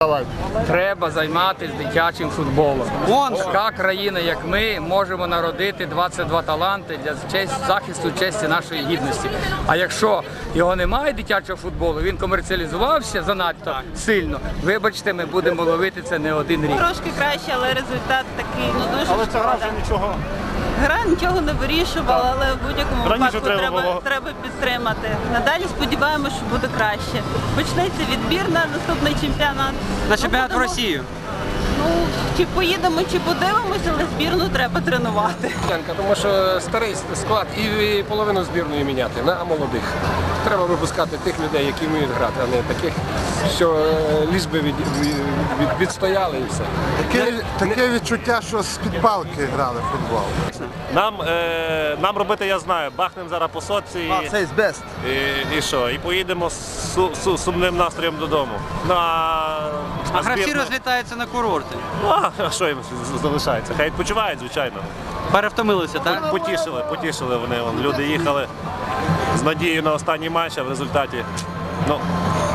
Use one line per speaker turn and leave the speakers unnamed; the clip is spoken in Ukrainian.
Треба займатися дитячим футболом. Така країна, як ми, можемо народити 22 таланти для захисту честі нашої гідності. А якщо його немає, дитячого футболу, він комерціалізувався занадто сильно, вибачте, ми будемо ловити це не один рік.
Трошки краще, але результат такий, ну дуже
Але
шкода.
ця гра вже нічого.
Гра нічого не вирішувала, але в будь-якому
Раніше
випадку треба підтримати. Надалі сподіваємося, що буде краще. Почнеться відбір на наступний чемпіонат.
На чемпіонат в
будемо-
Росію.
Ну, чи поїдемо, чи подивимося, але збірну треба тренувати.
Тому що старий склад і половину збірної міняти на молодих. Треба випускати тих людей, які вміють грати, а не таких, що ліж би відстояли і все.
Таке відчуття, що з-під палки грали в футбол.
Нам робити, я знаю, бахнемо зараз по сотці і що? І поїдемо з сумним настроєм додому.
А гравці розлітаються на курорти.
А що їм залишається? Хай відпочивають, звичайно.
Перевтомилися, так?
Потішили вони. Люди їхали з надією на останній матч, а в результаті